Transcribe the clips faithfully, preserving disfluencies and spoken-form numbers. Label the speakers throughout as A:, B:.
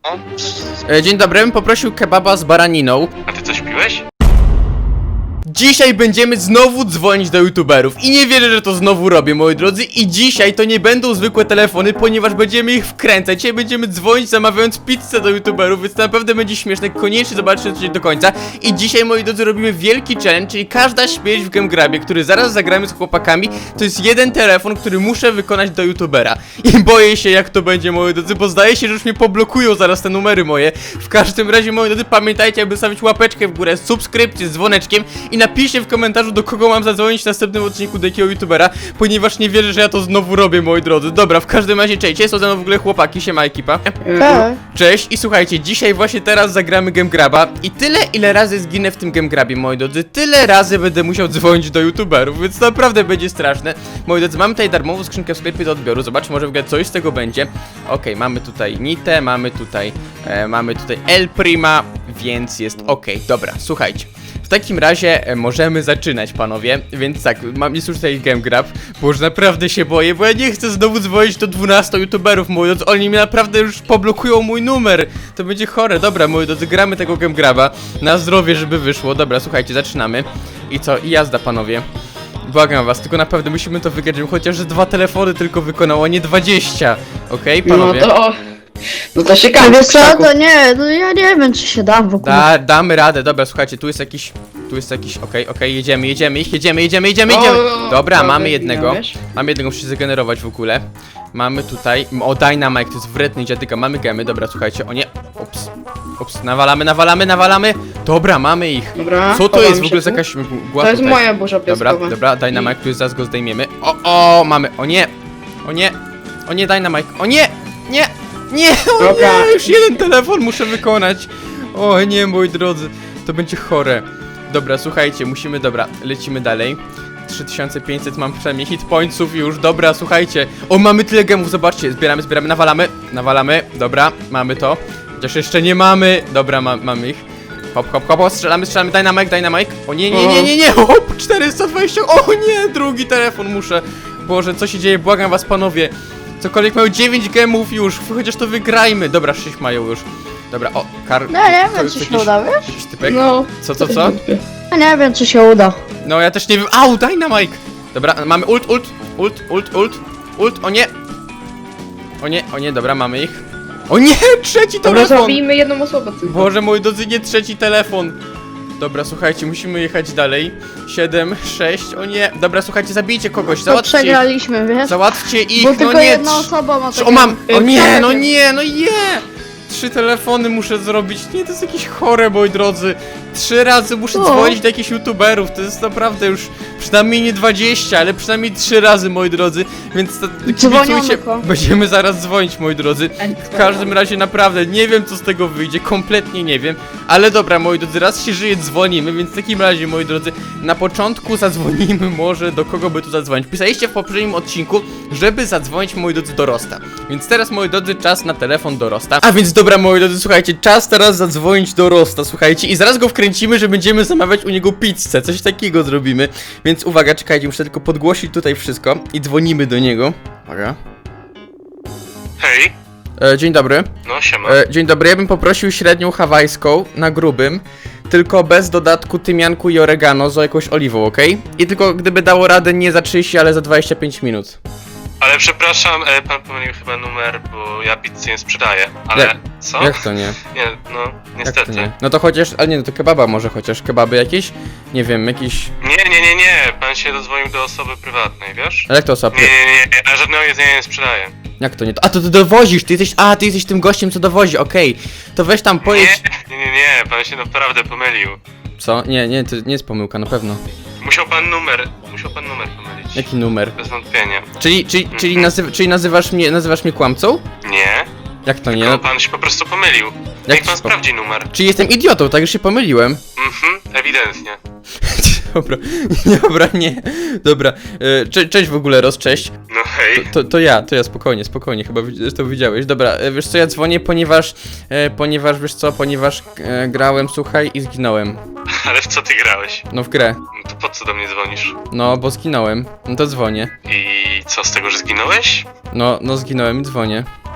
A: E, dzień dobry, bym poprosił kebaba z baraniną.
B: A ty coś piłeś?
A: Dzisiaj będziemy znowu dzwonić do youtuberów i nie wierzę, że to znowu robię, moi drodzy. I dzisiaj to nie będą zwykłe telefony, ponieważ będziemy ich wkręcać. Dzisiaj będziemy dzwonić zamawiając pizzę do youtuberów, więc to naprawdę będzie śmieszne. Koniecznie zobaczcie to do końca. I dzisiaj, moi drodzy, robimy wielki challenge, czyli każda śmierć w GameGrabie, który zaraz zagramy z chłopakami, to jest jeden telefon, który muszę wykonać do youtubera. I boję się, jak to będzie, moi drodzy, bo zdaje się, że już mnie poblokują zaraz te numery moje. W każdym razie, moi drodzy, pamiętajcie, aby stawić łapeczkę w górę, subskrypcję z dzwoneczkiem i napiszcie w komentarzu, do kogo mam zadzwonić w następnym odcinku, do jakiego youtubera, ponieważ nie wierzę, że ja to znowu robię, moi drodzy. Dobra, w każdym razie, cześć, są ze mną w ogóle chłopaki, siema ekipa.
C: Tak.
A: Cześć i słuchajcie, dzisiaj właśnie teraz zagramy GameGraba i tyle, ile razy zginę w tym GameGrabie, moi drodzy, tyle razy będę musiał dzwonić do youtuberów, więc naprawdę będzie straszne. Moi drodzy, mamy tutaj darmową skrzynkę w sklepie do odbioru, zobaczmy, może w ogóle coś z tego będzie. Okej, mamy tutaj Nitę, mamy tutaj, e, mamy tutaj El Prima, więc jest okej, dobra, słuchajcie. W takim razie e, możemy zaczynać, panowie, więc tak, mam jest już tutaj GameGrab, bo już naprawdę się boję, bo ja nie chcę znowu dzwonić do dwunastu youtuberów, moi drodzy, oni mi naprawdę już poblokują mój numer, to będzie chore. Dobra, moi drodzy, gramy tego GameGraba, na zdrowie, żeby wyszło. Dobra, słuchajcie, zaczynamy i co, i jazda, panowie. Błagam was, tylko naprawdę musimy to wygrać, żebym chociaż dwa telefony tylko wykonał, a nie dwadzieścia, okej, okay, panowie?
C: No to... No to się
D: A
C: każe.
D: wiesz co, to nie, to ja nie wiem, czy się dam w ogóle.
A: Da, damy radę, dobra, słuchajcie, tu jest jakiś, tu jest jakiś, okej, okay, okej, okay, jedziemy, jedziemy ich, jedziemy, jedziemy, jedziemy, jedziemy.
C: O,
A: Dobra,
C: dobra,
A: mamy jednego,
C: wiesz?
A: mamy jednego, muszę się zagenerować w ogóle. Mamy tutaj, o, Dynamite, to jest wredny dziadyka, mamy gemy, dobra, słuchajcie, o nie, ups, ups, nawalamy, nawalamy, nawalamy. Dobra, mamy ich.
C: Dobra,
A: Co to
C: chowam
A: jest w
C: się
A: ogóle za
C: tu.
A: jakaś mgła
C: To jest
A: tutaj?
C: moja burza
A: Dobra,
C: piaskowa.
A: dobra, Dynamite, tu jest, zaraz go zdejmiemy. O, o, mamy, o nie, o nie, o nie, Dynamite, o nie, nie, nie, o
C: Dobra.
A: nie, już jeden telefon muszę wykonać. O nie, moi drodzy, to będzie chore. Dobra, słuchajcie, musimy, dobra, lecimy dalej. trzy tysiące pięćset mam przynajmniej hit pointsów już, dobra, słuchajcie. O, mamy tyle gemów, zobaczcie, zbieramy, zbieramy, nawalamy, nawalamy, dobra, mamy to. Chociaż jeszcze nie mamy, dobra, ma, mamy ich. Hop, hop, hop, strzelamy, strzelamy, Dynamite, Dynamite. O nie, nie, nie, nie, nie, hop, czterysta dwadzieścia, o nie, drugi telefon muszę. Boże, co się dzieje, błagam was, panowie. Cokolwiek mają dziewięć gemów już, chociaż to wygrajmy. Dobra, sześć mają już. Dobra, o, kar...
D: No nie
A: to
D: wiem,
A: jest
D: czy się
A: jakiś-
D: uda, wiesz?
A: jakiś typek.
C: No.
A: Co, co, co?
D: Ja nie wiem, czy się uda.
A: No ja też nie wiem. Au, Dynamite! Dobra, mamy ult, ult, ult, ult, ult, ult, o nie! O nie, o nie, dobra, mamy ich. O nie, trzeci
C: Dobra,
A: telefon!
C: zabijmy jedną osobę tylko.
A: Boże, moi drodzy, nie trzeci telefon. Dobra, słuchajcie, musimy jechać dalej. siedem, sześć, o nie. Dobra, słuchajcie, zabijcie kogoś,
D: To
A: załatwcie ich.
D: przegraliśmy, wiesz?
A: Załatwcie ich,
D: Bo
A: no
D: tylko
A: nie.
D: jedna
A: trz-
D: osoba ma
A: trz-
D: takie...
A: O, mam! O nie, no
C: takie-
A: nie, no nie! Trzy telefony muszę zrobić. Nie, to jest jakieś chore, moi drodzy. Trzy razy muszę
D: O.
A: dzwonić do jakichś youtuberów. To jest naprawdę już przynajmniej nie dwadzieścia, ale przynajmniej trzy razy, moi drodzy. Więc to,
D: Dzwoniono
A: kibicujcie.
D: ko.
A: Będziemy zaraz dzwonić, moi drodzy. W każdym razie naprawdę nie wiem, co z tego wyjdzie. Kompletnie nie wiem. Ale dobra, moi drodzy, raz się żyje, dzwonimy. Więc w takim razie, moi drodzy, na początku zadzwonimy może, do kogo by tu zadzwonić. Pisaliście w poprzednim odcinku, żeby zadzwonić, moi drodzy, do Rosta. Więc teraz, moi drodzy, czas na telefon do Rosta. A więc dobra, moi drodzy, słuchajcie, czas teraz zadzwonić do Rosta, słuchajcie. I zaraz go wkręcimy, że będziemy zamawiać u niego pizzę. Coś takiego zrobimy. Więc uwaga, czekajcie, muszę tylko podgłosić tutaj wszystko. I dzwonimy do niego. Uwaga.
B: Hej,
A: E, dzień dobry.
B: no siema.
A: E, dzień dobry, ja bym poprosił średnią hawajską na grubym, tylko bez dodatku tymianku i oregano z jakąś oliwą, okej? I tylko gdyby dało radę nie za trzydzieści, ale za dwadzieścia pięć minut.
B: Ale przepraszam, e, pan pomylił chyba numer, bo ja pizzy nie sprzedaję. Ale
A: Jak-
B: co?
A: Jak to nie?
B: Nie, no
A: Jak
B: niestety.
A: to nie? No to chociaż, ale nie, no to kebaba może chociaż, kebaby jakieś? Nie wiem, jakiś...
B: Nie, nie, nie, nie, pan się dozwonił do osoby prywatnej, wiesz?
A: Ale jak to osoba?
B: Nie, nie, nie, nie, ja żadnego jedzenia nie sprzedaję.
A: Jak to nie? A to ty dowozisz, ty jesteś, a ty jesteś tym gościem, co dowozi, okej. To weź tam pojedź...
B: Nie, nie, nie, nie, pan się naprawdę pomylił.
A: Co? Nie, nie, to nie jest pomyłka, na pewno.
B: Musiał pan numer, musiał pan numer pomylić.
A: Jaki numer?
B: Bez wątpienia.
A: Czyli, czyli, czyli, nazyw, czyli nazywasz mnie, nazywasz mnie kłamcą?
B: Nie,
A: Jak to nie?
B: tylko
A: No,
B: pan się po prostu pomylił.
A: Jak
B: Niech pan
A: się po-
B: sprawdzi numer.
A: czyli jestem idiotą, tak już się pomyliłem.
B: Mhm, ewidentnie.
A: Dobra, dobra, nie. Dobra, e, cze cześć w ogóle, Roz, cześć.
B: No hej.
A: To, to ja, to ja, spokojnie, spokojnie, chyba wi- to widziałeś. Dobra, e, wiesz co, ja dzwonię, ponieważ, e, ponieważ, wiesz co, ponieważ e, grałem, słuchaj, i zginąłem.
B: Ale w co ty grałeś?
A: No w grę.
B: No to po co do mnie dzwonisz?
A: No, bo zginąłem. No to dzwonię.
B: I co z tego, że zginąłeś?
A: No, no zginąłem i dzwonię.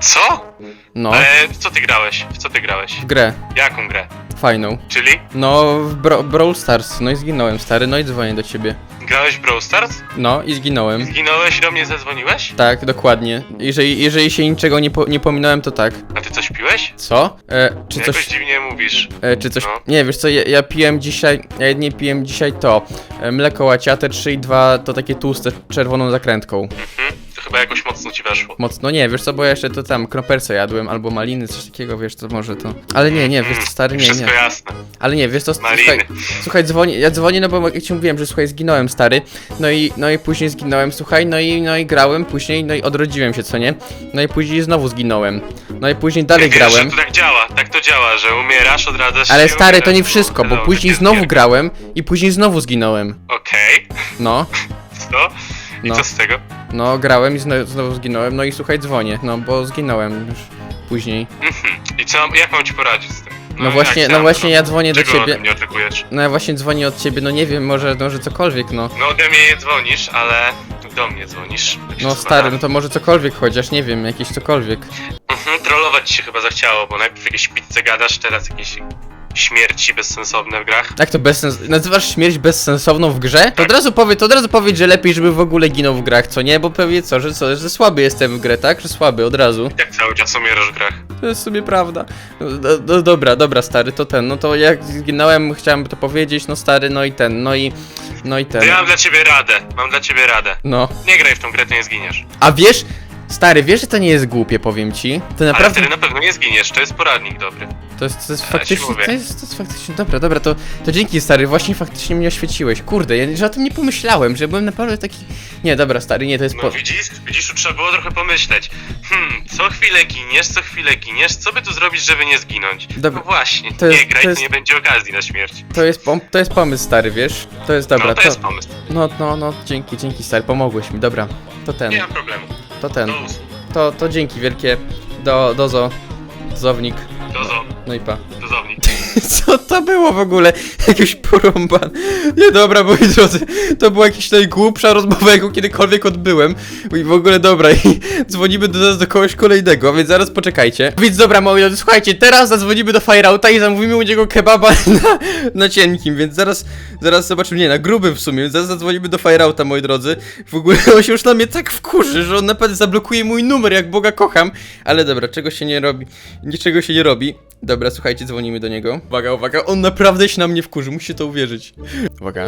B: Co?
A: No,
B: Ale w co ty grałeś? W co ty grałeś?
A: w grę.
B: Jaką grę?
A: Fajną.
B: Czyli?
A: No, w Bro Brawl Stars. No i zginąłem, stary, no i dzwonię do ciebie.
B: Grałeś w Brawl Stars?
A: No i zginąłem.
B: Zginąłeś i do mnie zadzwoniłeś?
A: Tak, dokładnie. Jeżeli, jeżeli się niczego nie, po, nie pominąłem, to tak.
B: A ty coś piłeś?
A: Co? E, czy
B: Jakoś
A: coś...
B: dziwnie mówisz.
A: E, czy coś...
B: No.
A: Nie, wiesz co, ja, ja piłem dzisiaj... Ja jedynie piłem dzisiaj to. E, mleko łaciate trzy i dwa to takie tłuste, czerwoną zakrętką.
B: Mhm. To chyba jakoś mocno ci weszło.
A: Mocno, nie, wiesz co, bo ja jeszcze to tam kroperce jadłem, albo maliny, coś takiego, wiesz, to może to... Ale nie, nie, wiesz co, stary, nie,
B: Wszystko
A: nie.
B: jasne.
A: Ale nie, wiesz co,
B: Maliny.
A: słuchaj, słuchaj, dzwonię, ja dzwonię, no bo jak ci mówiłem, że słuchaj, zginąłem, stary, no i, no i później zginąłem, słuchaj, no i, no i grałem później, no i odrodziłem się, co nie? No i później znowu zginąłem, no i później dalej
B: Wiesz,
A: grałem,
B: że to tak działa, tak to działa, że umierasz, odradzasz
A: ale
B: się,
A: stary, to
B: umierasz,
A: nie wszystko, bo
B: no,
A: później
B: takie
A: znowu
B: zbierki.
A: grałem i później znowu zginąłem,
B: Okej,
A: no,
B: co? I
A: No.
B: co z tego?
A: no, grałem i znowu, znowu zginąłem, no i słuchaj, dzwonię, no, bo zginąłem już później,
B: Mhm. I co, jak mam ci poradzić z tym?
A: no właśnie,
B: jak
A: no
B: sam,
A: właśnie ja dzwonię do
B: Czego
A: ciebie,
B: ode mnie oczekujesz?
A: no ja właśnie dzwonię od ciebie, no nie wiem, może, może cokolwiek, no.
B: No ode mnie nie dzwonisz, ale do mnie dzwonisz. Tak się
A: No
B: składa.
A: stary, no to może cokolwiek chociaż, nie wiem, jakieś cokolwiek.
B: Mhm, trollować ci się chyba zachciało, bo najpierw jakieś pizze gadasz, teraz jakieś śmierci bezsensowne w grach.
A: Jak to bezsens... Nazywasz śmierć bezsensowną w grze? To od razu powiedz, to od razu powiedz, że lepiej, żeby w ogóle ginął w grach, co nie? Bo pewnie co, że co, że słaby jestem w grę, tak? Że słaby, od razu.
B: Jak cały czas umierasz w grach?
A: To jest sobie prawda. No, no, no dobra, dobra, stary, to ten, no to jak zginąłem, chciałem to powiedzieć, no stary, no i ten, no i... No i ten.
B: To ja mam dla ciebie radę, mam dla ciebie radę.
A: No.
B: Nie graj w tą grę, to nie zginiesz.
A: A wiesz... Stary, wiesz, że to nie jest głupie, powiem ci? To
B: Ale
A: naprawdę...
B: wtedy na pewno nie zginiesz, to jest poradnik dobry.
A: To jest, to jest
B: Ja ci
A: faktycznie,
B: mówię.
A: to jest, to jest faktycznie, dobra, dobra, to, to dzięki stary, właśnie faktycznie mnie oświeciłeś, kurde, ja że o tym nie pomyślałem, że byłem naprawdę taki, nie, dobra stary, nie, to jest
B: No
A: po...
B: widzisz, widzisz, tu trzeba było trochę pomyśleć. Hmm, co chwilę giniesz, co chwilę giniesz, co by tu zrobić, żeby nie zginąć?
A: Dobra,
B: No właśnie,
A: to jest-
B: nie graj,
A: to
B: to,
A: jest-
B: nie będzie okazji na śmierć.
A: To jest, pom- to jest pomysł stary, wiesz, to jest, dobra,
B: no to,
A: to,
B: jest pomysł,
A: no, no, no, dzięki, dzięki stary, pomogłeś mi, dobra, to ten,
B: nie ma problemu.
A: to ten,
B: Do usług,
A: to, to dzięki wielkie, do, dozo, dozownik,
B: dozo,
A: no i pa.
B: dozownik.
A: Co to było w ogóle? Jakiś porąban. Nie dobra, moi drodzy, to była jakaś najgłupsza rozmowa, jaką kiedykolwiek odbyłem. I w ogóle dobra, i dzwonimy do nas do kogoś kolejnego, więc zaraz poczekajcie. Więc dobra, moi drodzy, słuchajcie, teraz zadzwonimy do Fireouta i zamówimy u niego kebaba na, na cienkim, więc zaraz, zaraz zobaczymy, nie, na grubym w sumie, więc zaraz zadzwonimy do Fireouta, moi drodzy. W ogóle on się już na mnie tak wkurzy, że on naprawdę zablokuje mój numer, jak Boga kocham. Ale dobra, czego się nie robi, niczego się nie robi. Dobra, słuchajcie, dzwonimy do niego. Uwaga, uwaga, on naprawdę się na mnie wkurzy, musicie to uwierzyć. Uwaga.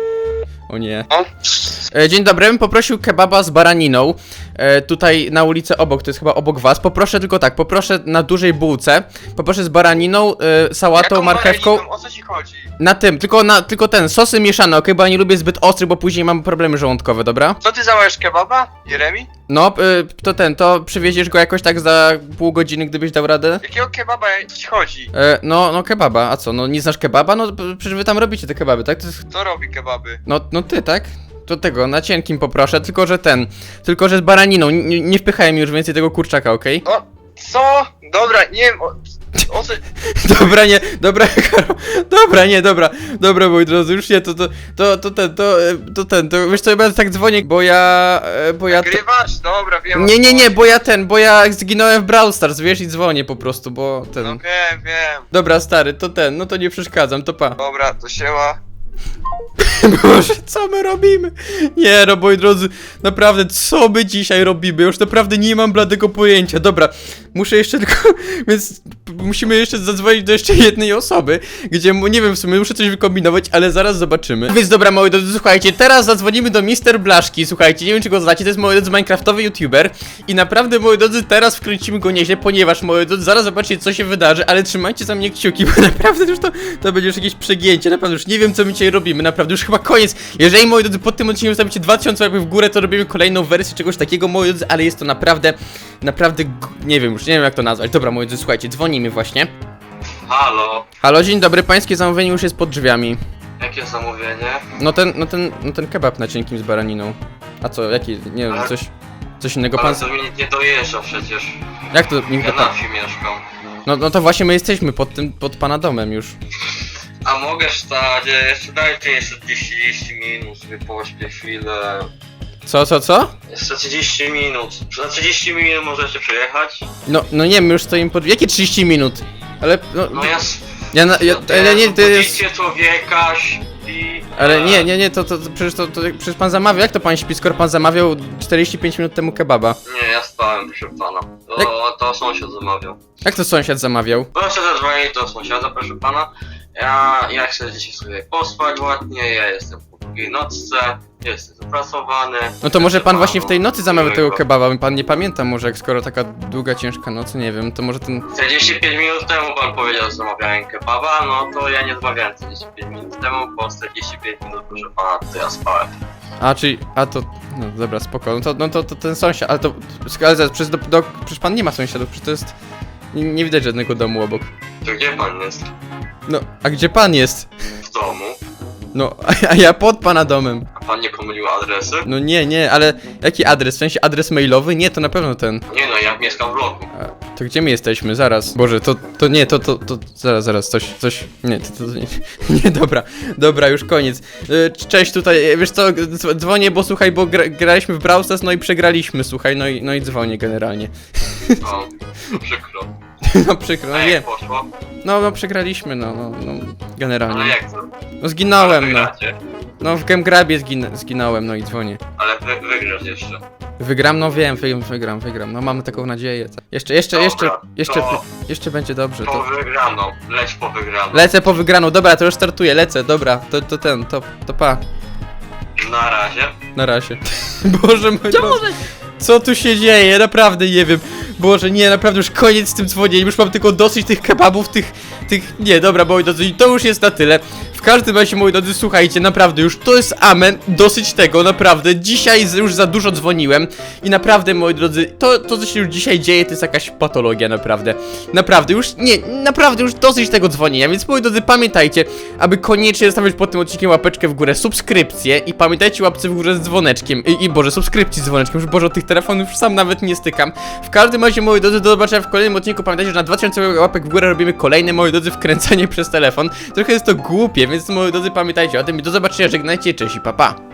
A: O nie. E, dzień dobry, bym poprosił kebaba z baraniną. E, tutaj na ulicę obok, to jest chyba obok was. Poproszę tylko tak, poproszę na dużej bułce. Poproszę z baraniną, e, sałatą,
E: Jaką
A: marchewką.
E: baraniną? O co ci chodzi?
A: Na tym, tylko na, tylko ten, sosy mieszane, okej, bo ja nie lubię zbyt ostry, bo później mam problemy żołądkowe, dobra?
E: Co ty załajesz kebaba, Jeremi?
A: No, e, to ten, to przywieziesz go jakoś tak za pół godziny, gdybyś dał radę?
E: Jakiego kebaba co ci chodzi?
A: E, no, no kebaba, a co, no nie znasz kebaba? No p- przecież wy tam robicie te kebaby, tak? To jest,
E: Kto robi kebaby?
A: no, no ty, tak? To tego, na cienkim poproszę, tylko że ten, tylko że z baraniną, N nie wpychaj mi już więcej tego kurczaka, okej?
E: O, co? Dobra, nie wiem, o, o co...
A: Dobra, nie, dobra, Karol, dobra, nie, dobra, dobra, moi drodzy, już nie, to, to, to, to ten, to, e, to ten, to wiesz co, ja będę tak dzwonię, bo ja, e, bo ja... te-
E: Nagrywasz? Dobra, wiem. o
A: Nie,
E: co
A: nie, nie,
E: chodzi.
A: bo ja ten, bo ja zginąłem w Brawl Stars, wiesz, i dzwonię po prostu, bo ten...
E: No wiem, wiem.
A: Dobra, stary, to ten, no to nie przeszkadzam, to pa.
E: Dobra, to siema.
A: Boże, co my robimy? Nie no, moi drodzy, naprawdę, co my dzisiaj robimy? Już naprawdę nie mam bladego pojęcia. Dobra, muszę jeszcze tylko, więc musimy jeszcze zadzwonić do jeszcze jednej osoby, gdzie, mu- nie wiem, w sumie muszę coś wykombinować, ale zaraz zobaczymy. Więc dobra, moi drodzy, słuchajcie, teraz zadzwonimy do mister Blaszki, słuchajcie, nie wiem, czy go znacie, to jest, moi drodzy, minecraftowy youtuber i naprawdę, moi drodzy, teraz wkręcimy go nieźle, ponieważ, moi drodzy, zaraz zobaczycie, co się wydarzy, ale trzymajcie za mnie kciuki, bo naprawdę już to, to będzie już jakieś przegięcie, naprawdę już nie wiem, co my dzisiaj robimy, naprawdę już chyba koniec. Jeżeli, moi drodzy, pod tym odcinkiem zostawicie dwa tysiące łapek w górę, to robimy kolejną wersję czegoś takiego, moi drodzy, ale jest to naprawdę, naprawdę, g- nie wiem, już nie wiem, jak to nazwać. Dobra, moi drodzy, słuchajcie, dzwonimy właśnie.
B: Halo,
A: Halo, dzień dobry, pańskie zamówienie już jest pod drzwiami.
B: jakie zamówienie?
A: No ten, no ten, no ten kebab na cienkim z baraniną. A co, jaki, nie wiem,
B: Ale-
A: coś, coś innego pan...
B: to mi nie dojeżdża przecież.
A: Jak to, nikt do pan...
B: wsi mieszkam.
A: No, no to właśnie my jesteśmy pod tym, pod pana domem już.
B: A mogę stać, jeszcze dajcie jeszcze trzydzieści minut, sobie pośpię chwilę.
A: Co, co, co?
E: Jeszcze trzydzieści minut. Za trzydzieści minut możecie przejechać.
A: No, no nie, my już stoimy pod... Jakie trzydzieści minut? Ale, no...
E: No ja...
A: Ja, na, ja, ale nie, to jest...
E: Budzicie człowieka, śpi...
A: Ale nie, nie, nie, to, to, to przecież to, to, przecież pan zamawiał, jak to pan śpi, skoro pan zamawiał czterdzieści pięć minut temu kebaba?
E: Nie, ja spałem, proszę pana. To,
A: Jak-
E: to sąsiad zamawiał.
A: Jak to sąsiad zamawiał?
E: Proszę zadzwonić do sąsiada, proszę pana. Ja, ja chcę dzisiaj sobie pospać ładnie, ja jestem po długiej nocce, jestem zapracowany.
A: No to może
E: Życzę
A: pan
E: panu
A: właśnie w tej nocy zamawiał tego
E: miłego.
A: kebaba, pan nie pamięta może, jak skoro taka długa, ciężka noc, nie wiem, to może ten...
E: czterdzieści pięć minut temu pan powiedział, że zamawiałem kebaba, no to ja nie zamawiałem czterdzieści pięć minut temu, po czterdzieści pięć minut, proszę pana, to ja spałem.
A: A, czyli, a to, no dobra, spoko, no to, no to, to ten sąsiad, ale to, ale zaraz, przecież, do, do, przecież pan nie ma sąsiadów, przecież to jest, nie, nie widać żadnego domu obok.
E: To gdzie pan jest?
A: No, a gdzie pan jest?
E: W domu?
A: No, a, a ja pod pana domem.
E: A pan nie pomylił adresy?
A: No nie, nie, ale jaki adres? W sensie adres mailowy? Nie, to na pewno ten.
E: Nie no, ja mieszkam w bloku.
A: A, to gdzie my jesteśmy? Zaraz. Boże, to, to nie, to, to, to, zaraz, zaraz, coś, coś, nie, to, to, nie, nie, dobra, dobra, już koniec. E, Cześć, tutaj, e, wiesz co, dzw- dzwonię, bo słuchaj, bo gra, graliśmy w Brawl Stars, no i przegraliśmy, słuchaj, no i, no i dzwonię generalnie.
E: O, to przykro.
A: No przykro, no
E: A
A: nie,
E: jak poszło?
A: no, no przegraliśmy, no, no, no,
E: Ale
A: generalnie.
E: jak to?
A: No zginąłem, no,
E: Wygracie.
A: no w Gemgrabie zgin zginąłem, no i dzwonię.
E: Ale wy, wygrasz jeszcze.
A: Wygram, no wiem, wy, wygram, wygram, no mamy taką nadzieję. tak. Jeszcze, jeszcze,
E: Dobra,
A: jeszcze, jeszcze,
E: to-
A: jeszcze będzie dobrze,
E: Po
A: to...
E: wygraną, leć po wygraną.
A: Lecę po wygraną, dobra, to już startuję, lecę, dobra, to, to ten, to, to pa,
E: Na razie.
A: na razie. Boże mój Boże. Co tu się dzieje? Naprawdę nie wiem. Boże, nie, naprawdę już koniec z tym dzwonieniem, już mam tylko dosyć tych kebabów, tych, tych, nie, dobra, moi drodzy, i to już jest na tyle. W każdym razie, moi drodzy, słuchajcie, naprawdę już to jest amen, dosyć tego, naprawdę, dzisiaj z- już za dużo dzwoniłem i naprawdę, moi drodzy, to, to co się już dzisiaj dzieje, to jest jakaś patologia, naprawdę. Naprawdę, już, nie, naprawdę już dosyć tego dzwonienia, więc moi drodzy, pamiętajcie, aby koniecznie zostawiać pod tym odcinkiem łapeczkę w górę, subskrypcję i pamiętajcie łapce w górze z dzwoneczkiem, i, i Boże, subskrypcji z dzwoneczkiem, już Boże, od tych telefonów już sam nawet nie stykam. W każdym razie, moi drodzy, do zobaczenia w kolejnym odcinku, pamiętajcie, że na dwa tysiące łapek w górę robimy kolejne, moi drodzy, wkręcanie przez telefon. Trochę jest to głupie, więc moi drodzy, pamiętajcie o tym i do zobaczenia, żegnajcie, cześć i pa pa.